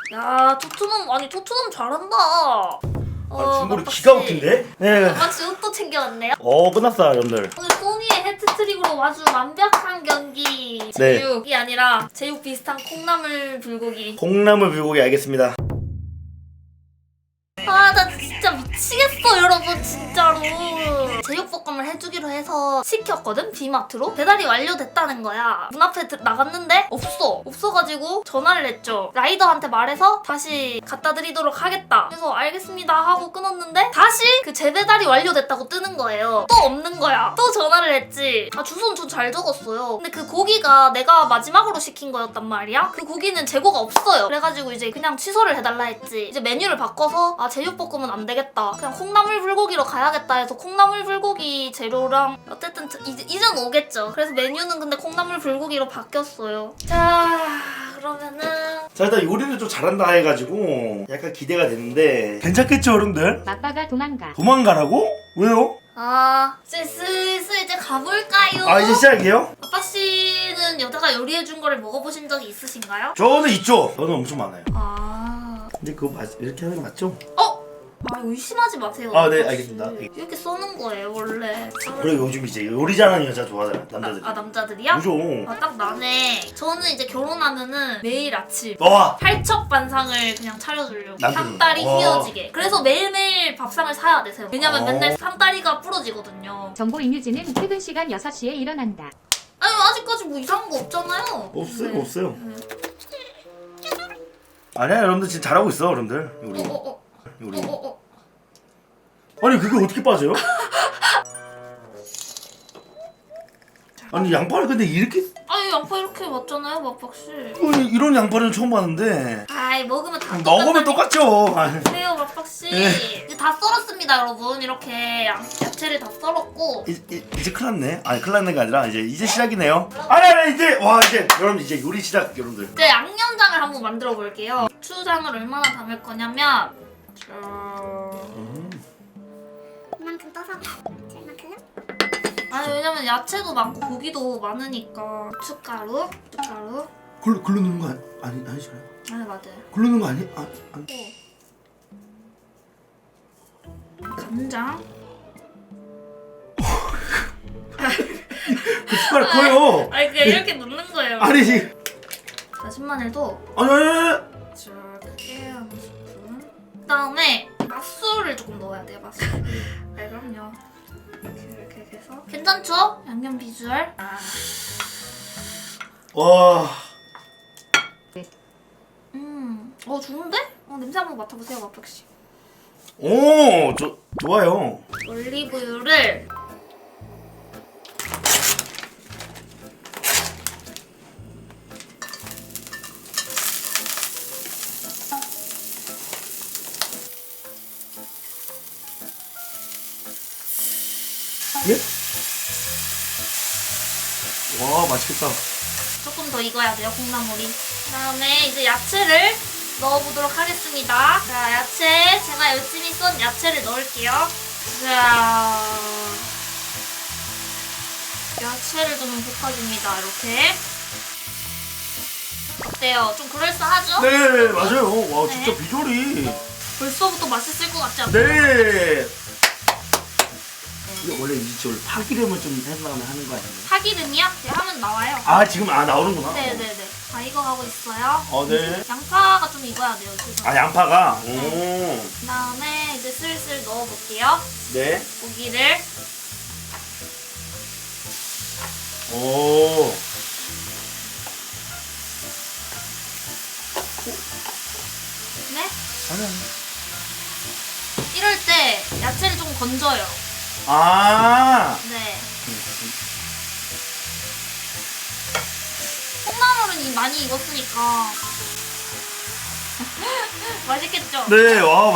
야, 토트넘 아니 토트넘 잘한다. 중거리 기가 막힌데? 네. 막씨 옷도 챙겨왔네요. 끝났어요 여러분들. 오늘 소니의 해트트릭으로 아주 완벽한 경기. 네. 제육이 아니라 제육 비슷한 콩나물 불고기. 콩나물 불고기 알겠습니다. 아, 나 진짜 미치겠어, 여러분, 진짜로. 제육볶음을 해주기로 해서 시켰거든, 비마트로. 배달이 완료됐다는 거야. 문 앞에 나갔는데 없어가지고 전화를 했죠. 라이더한테 말해서 다시 갖다 드리도록 하겠다. 그래서 알겠습니다 하고 끊었는데 다시 그 재배달이 완료됐다고 뜨는 거예요. 또 없는 거야. 또 전화를 했지. 아, 주소는 좀 잘 적었어요. 근데 그 고기가 내가 마지막으로 시킨 거였단 말이야. 그 고기는 재고가 없어요. 그래가지고 이제 그냥 취소를 해달라 했지. 이제 메뉴를 바꿔서 제육볶음은 안 되겠다. 그냥 콩나물 불고기로 가야겠다 해서 콩나물 불고기 재료랑 어쨌든 이제는 오겠죠. 그래서 메뉴는 근데 콩나물 불고기로 바뀌었어요. 자, 그러면은 자, 일단 요리를 좀 잘한다 해가지고 약간 기대가 되는데 괜찮겠죠 여러분들? 아빠가 도망가. 도망가라고? 왜요? 이제 슬슬 이제 가볼까요? 아, 이제 시작이에요? 아빠 씨는 여자가 요리해준 거를 먹어보신 적이 있으신가요? 저는 있죠. 저는 엄청 많아요. 근데 그거 이렇게 하는 거 맞죠? 의심하지 마세요. 아, 네, 아빠 씨. 알겠습니다. 이렇게 써는 거예요, 원래. 그리고 요즘 이제 요리 잘하는 여자 좋아하잖아요, 남자들이. 남자들이야? 그죠? 딱 나네. 저는 이제 결혼하면은 매일 아침 와! 팔척반상을 그냥 차려주려고. 남편이. 상다리 와. 휘어지게. 그래서 매일매일 밥상을 사야 되세요. 왜냐면 맨날 상다리가 부러지거든요. 정보 임유진은 퇴근 시간 6시에 일어난다. 아니, 아직까지 뭐 이상한 거 없잖아요. 없어요, 네. 없어요. 아니야, 여러분들 지금 잘하고 있어, 여러분들. 요리. 요리. 아니, 그게 어떻게 빠져요? 아니, 양파를 근데 이렇게. 아니, 양파 이렇게 맞잖아요, 맛박씨. 아니, 이런 양파는 처음 봤는데. 아이, 먹으면 다 먹으면 똑같죠. 그래요, 맛박씨. 네. 이제 다 썰었습니다, 여러분. 이렇게 야채를 다 썰었고. 이제 큰일 났네. 아니, 큰일 났는 게 아니라 이제 시작이네요. 아니, 이제 여러분 이제 요리 시작, 여러분들. 이제 양념장을 한번 만들어 볼게요. 고추장을 얼마나 담을 거냐면 이만큼 떠서 이만큼. 아니, 왜냐면 야채도 많고 고기도 많으니까. 고춧가루. 글로 넣는 거 아니잖아요. 아니, 맞아요. 글로 넣는 거 아니? 간장. 그 숟가락 커요. 아니, 그냥 이렇게 넣는 거예요. 아니, 다진 마늘도 아니. 이렇게 한 스푼. 그다음에 맛술을 조금 넣어야 돼요, 맛술. 네, 그럼요. 이렇게 해서 괜찮죠? 양념 비주얼. 와. 좋은데? 냄새 한번 맡아보세요, 마팍씨. 오, 좋아요. 올리브유를 예? 와, 맛있겠다. 조금 더 익어야 돼요, 콩나물이. 그다음에 이제 야채를 넣어보도록 하겠습니다. 자, 야채 제가 열심히 썬 야채를 넣을게요. 자, 야채를 좀 볶아줍니다. 이렇게. 어때요? 좀 그럴싸하죠? 네, 맞아요. 와, 진짜 네. 비주얼이. 벌써부터 맛있을 것 같지 않나요? 네. 이게 원래 이제 원래 파기름을 좀 해서 하는 거 아니에요? 파기름이요? 네, 하면 나와요. 지금 나오는구나. 네네네. 다 익어가고 있어요. 네. 양파가 좀 익어야 돼요, 지금. 양파가. 그 다음에 이제 슬슬 넣어볼게요. 네. 고기를. 오. 네? 아니야. 이럴 때 야채를 좀 건져요. 네. 콩나물은 많이 익었으니까. 맛있겠죠? 네, 와,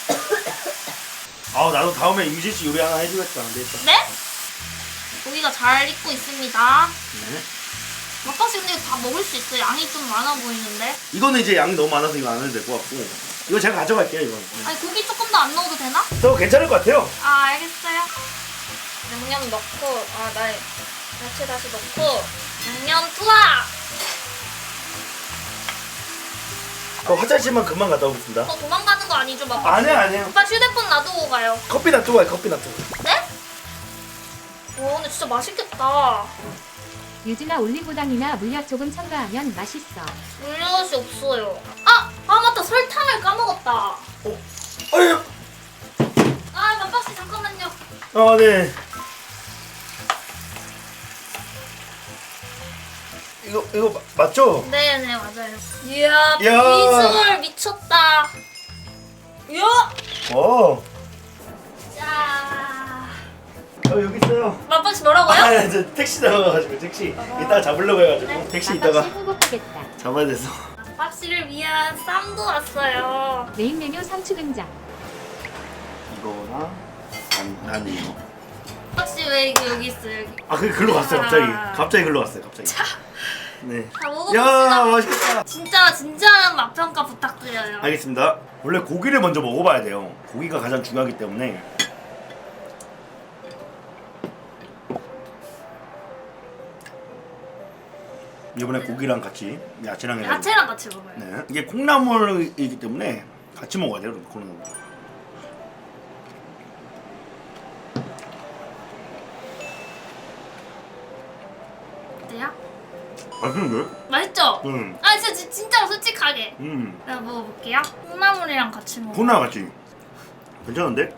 나도 다음에 유진 씨 요리 하나 해주겠다. 안 되겠다. 네? 고기가 잘 익고 있습니다. 네. 막박씨 근데 이거 다 먹을 수 있어요. 양이 좀 많아 보이는데. 이거는 이제 양이 너무 많아서 이거 안 해도 될 것 같고. 이거 제가 가져갈게요, 이거. 아니, 고기 조금 더 안 넣어도 되나? 저 괜찮을 것 같아요. 알겠어요. 양념 넣고, 야채 다시 넣고, 양념 투하! 저 화장실만 금방 갔다 오겠습니다. 도망가는 거 아니죠, 막? 아니에요. 오빠 휴대폰 놔두고 가요. 커피 놔두고 가요. 커피 놔두고. 네? 와, 근데 진짜 맛있겠다. 유진아 올리고당이나 물엿 조금 첨가하면 맛있어. 물엿이 없어요. 아 맞다. 설탕을 까먹었다. 아유. 아, 맘박씨 잠깐만요. 아 네. 이거 맞죠? 네네, 맞아요. 이야, 이야. 비주얼 미쳤다. 이야. 어. 자, 여기 있어요. 맘박씨 뭐라고요? 아, 저 택시 나가가지고 택시 이따가 잡으려고 해가지고 네. 택시 이따가 맘박씨 행복하겠다. 잡아야 돼서. 맘박씨를 위한 쌈도 왔어요. 메인 메뉴 상추 등장. 이거랑 난 이거. 맘박씨 왜 이거 여기 있어요? 여기. 아, 글로 갔어요 갑자기. 갑자기 글로 갔어요 갑자기. 자, 네. 다 야 먹어봅시다. 맛있겠다. 진짜 진지한 맛평가 부탁드려요. 알겠습니다. 원래 고기를 먼저 먹어봐야 돼요. 고기가 가장 중요하기 때문에. 이번에 고기랑 같이 야채랑 해가지고. 야채랑 같이 먹어요. 네. 이게 콩나물이기 때문에 같이 먹어야 돼요. 콩나물. 어때요? 맛있는데? 맛있죠? 응. 아, 진짜 솔직하게. 음. 내가 먹어볼게요. 콩나물이랑 같이 먹어. 콩나물 같이. 괜찮은데?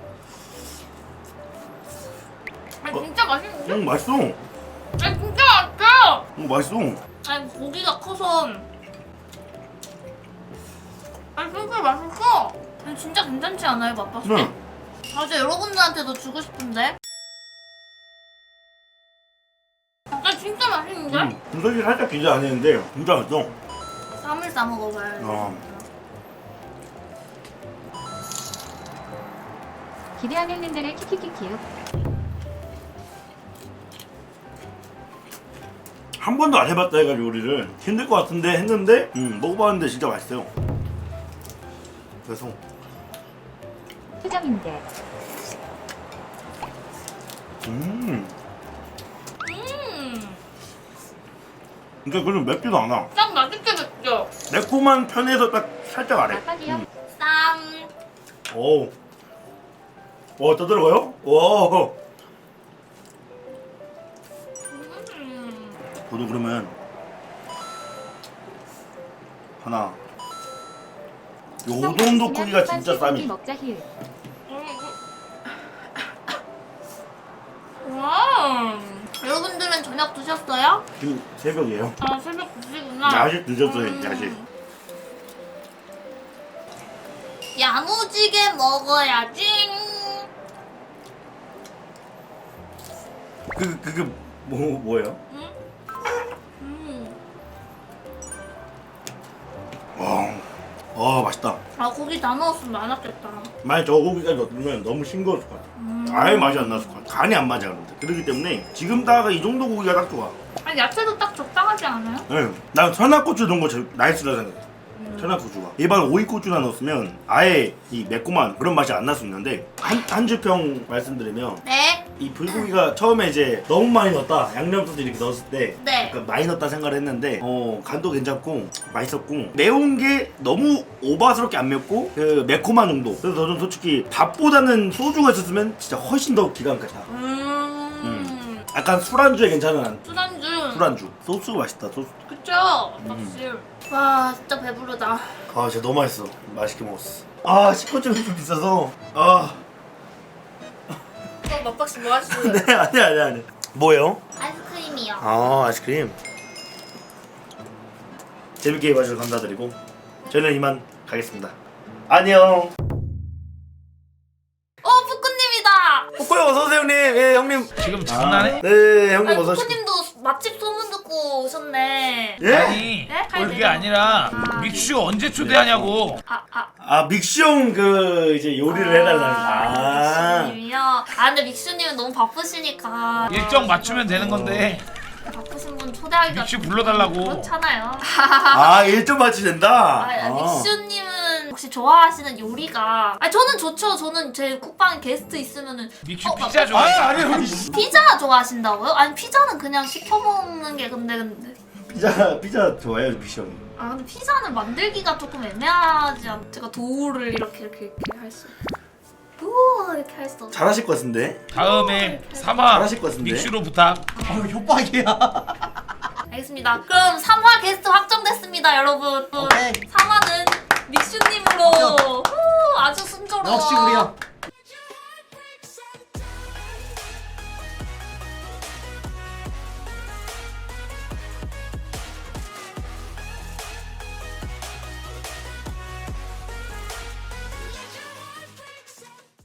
아니, 진짜 맛있는데? 응 맛있어. 아니, 진짜 맛있어. 응 맛있어. 아니, 고기가 커서. 아니, 진짜 맛있어. 아니, 진짜 괜찮지 않아요, 맛봤을 때? 네. 아, 진짜 여러분들한테도 주고 싶은데. 아, 진짜 맛있는데? 분석이 살짝 기대 안 했는데 진짜 맛있어. 쌈을 싸 먹어봐요. 어. 기대하는 랜들의 키키키키요. 한 번도 안 해봤다 해가지고 요리를 힘들 것 같은데 했는데 먹어봤는데 진짜 맛있어요. 그래서 표정인데. 음, 그러니까 그럼 맵지도 않아. 딱 맛있게 맵죠? 매콤한 편에서 딱 살짝 아래. 맛박이요. 쌈. 오. 와, 또 들어가요? 와. 저도 그러면 하나. 요 정도 크기가 진짜 쌈이. 먹자 힐. 와. 여러분들은 저녁 드셨어요? 지금 새벽이에요. 아, 새벽 드시구나. 야식 늦었어요, 야식. 야무지게 먹어야지. 그게 뭐예요? 와, 맛있다. 아, 고기 다 넣었으면 많았겠다. 만약 저 고기까지 넣으면 너무 싱거웠을 것 같아. 아예 맛이 안 났을 것 같아. 간이 안 맞아, 그런데. 그렇기 때문에 지금 다가 이 정도 고기가 딱 좋아. 아니, 야채도 딱 적당하지 않아요? 네. 난 천하고추 넣은 거 제일 나이스라 생각해. 천하고추가. 일반 오이고추나 넣었으면 아예 이 매콤한 그런 맛이 안 날 수 있는데 한 주평 말씀드리면 네. 이 불고기가 처음에 이제 너무 많이 넣었다 양념소스 이렇게 넣었을 때 네. 약간 많이 넣었다 생각을 했는데 간도 괜찮고 맛있었고 매운 게 너무 오바스럽게 안 맵고 그 매콤한 정도. 그래서 저는 솔직히 밥보다는 소주가 있었으면 진짜 훨씬 더 기가 막히다. 약간 술안주에 괜찮은 술안주. 소스가 맛있다. 소스. 그쵸? 확실. 와, 진짜 배부르다. 아 진짜 너무 맛있어. 맛있게 먹었어. 아 식구점이 좀 비싸서 아 맛박씨 뭐 하시고요? 네, 아니. 뭐예요? 아이스크림이요. 아 아이스크림. 재밌게 봐주셔서 감사드리고 저는 이만 가겠습니다. 안녕. 푸꾸님이다. 뽀꼬요 어서오세요 형님. 예 형님. 지금 장난해? 네 형님 아니, 어서오세요. 푸꾸님도 맛집 소문 듣고 오셨네. 예? 아니 네? 그게 아니라 믹슈 언제 초대하냐고. 아 믹슈 형 그 이제 요리를 해달라는. 믹슈님이요? 아, 근데 믹슈님은 너무 바쁘시니까. 일정 맞추면 되는 건데 바쁘신 분 초대하기가 믹슈 불러달라고. 그렇잖아요. 아 일정 맞추 된다. 믹슈님은 혹시 좋아하시는 요리가? 아니, 저는 좋죠. 저는 제 국방에 게스트 있으면은 믹슈 피자 좋아해. 아니 피자 좋아하신다고요? 아니, 피자는 그냥 시켜 먹는 게 근데 피자 좋아해요 믹슈 형이. 아 근데 피자는 만들기가 조금 애매하지 않? 제가 도우를 이렇게 할 수. 우와 이렇게 할 수. 없어. 잘하실 것 같은데? 다음에 3화 잘하실 것 같은데? 믹슈로 부탁. 협박이야. 알겠습니다. 그럼 3화 게스트 확정됐습니다, 여러분. 오케이. 3화는 믹슈님으로. 후, 아주 순조로워. 역시 우리요.